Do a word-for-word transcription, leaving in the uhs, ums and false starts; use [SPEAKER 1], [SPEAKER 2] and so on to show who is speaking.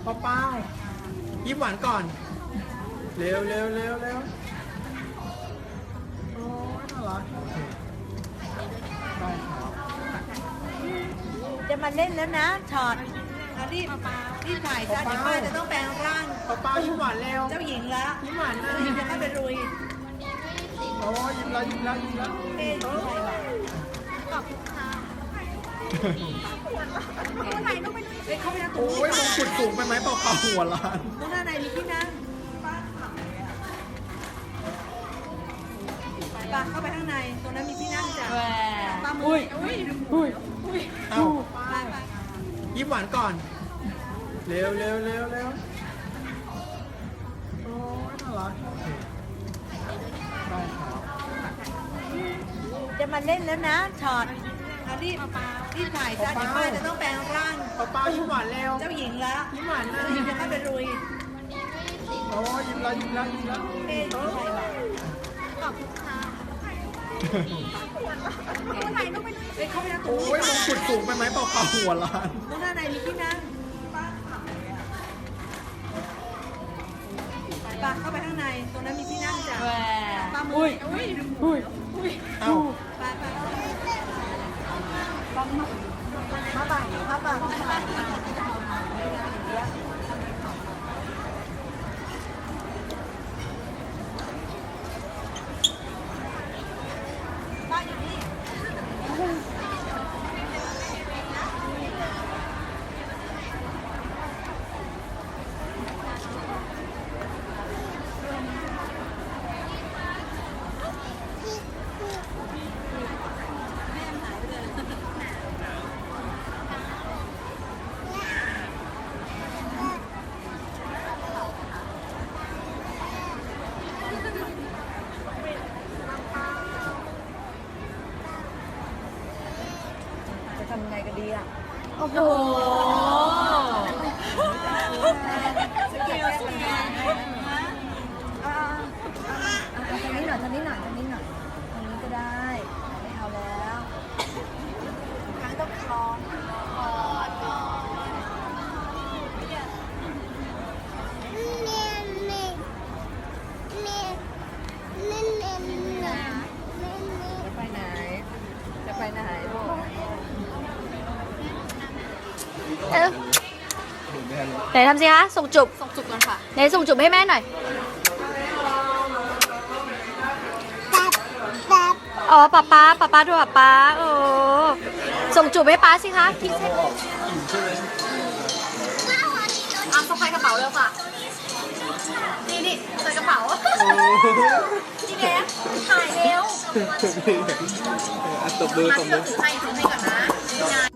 [SPEAKER 1] ป้าเป้ายิ้มหวานก่อนเร็วเร็วเร็วเร็วโอ้ยน่ารักได้ครับ
[SPEAKER 2] จะมาเล่นแล้วนะช็อตเอารีบรีบถ่ายซะเดี๋ยวป้าจะต้องแปลงร่าง
[SPEAKER 1] ป้าเป้ายิ้มหวานเร็ว
[SPEAKER 2] เจ้าหญิงแล้ว
[SPEAKER 1] ยิ้มหวานนะ
[SPEAKER 2] เดี๋ยวจะเข้าไปลุย
[SPEAKER 1] โอ้ยยิ้มแล้วยิ้มแล้วยิ้มแล้ว
[SPEAKER 2] เอ๊ะอยู่ที่ไหนวะเฮ้ยเข้าไปนั่งตรง
[SPEAKER 1] โอ้
[SPEAKER 2] นี้
[SPEAKER 1] ยมงกุฎสูงไปไหมเป้าเป้าหัวล้าน
[SPEAKER 2] ตรงหน้าในมีที่นั่งป้าเข้าไปข้างในตรงนั้นมีที่นั่งจ้ะป้ามืออุ้ยอุ้ย
[SPEAKER 1] เอ้า
[SPEAKER 2] ไปไป
[SPEAKER 1] ยิ้มหวานก่อนเร็วเร็วเร็วเร็วโอ้ยน่ารักได้ครับ
[SPEAKER 2] จะมาเล่นแล้วนะช็อตเอารีบรีบถ่ายซะเดี๋ยวป้าจะต้องแปลงร่าง
[SPEAKER 1] ป้าเป้ายิ้มหวานเร็ว
[SPEAKER 2] เจ้าหญิงแล้ว
[SPEAKER 1] ยิ้มหวานนะ
[SPEAKER 2] เดี๋ยวจะเข้าไปลุย
[SPEAKER 1] โอ้ยยิ้มแล้วยิ้มแล้วยิ้มแล้ว
[SPEAKER 2] เอ๊ะอยู่ที่ไหนวะเฮ้ยเข้าไปนั่งตรง
[SPEAKER 1] โอ้
[SPEAKER 2] นี้
[SPEAKER 1] ยมงกุฎสูงไปไหมเป้าเป้าหัวล้าน
[SPEAKER 2] ตรงหน้าในมีที่นั่งป้าเข้าไปข้างในตรงนั้นมีที่นั่งจ้ะป้ามืออุ้ยอุ้ยอุ้ย
[SPEAKER 1] เอ้า
[SPEAKER 2] ไปไปป้ามามาบ่ายมาบ่ายป้าอยู่นี่ จะทำยังไงกันดีอ่ะ โอ้โหสเกลสเกลอ่าทางนี้หน่อยทางนี้หน่อยทางนี้หน่อยทางนี้ก็ได้ ไม่เอาแล้วครั้งต้องคล้องกอดกอดจะไปไหน จะไปไหนลูก
[SPEAKER 3] เออไหนทำสิคะ ส่งจุบ
[SPEAKER 2] ส่งจุกก่อนค่ะ
[SPEAKER 3] ไหนส่งจุบให้แม่หน่อยอ๋อป๊าป๊าป๊าป๊าดูป๊าป๊าโอ้ส่งจุบให้ป๊าสิคะคิด
[SPEAKER 2] อ่ะสะพายกระเป๋าเร็วค่ะ นี่นี่ใส่กระเป๋านี่แกถ่ายเร็ว
[SPEAKER 1] ตบมือตบมือ
[SPEAKER 2] ถือให้ถือให้ก่อนนะ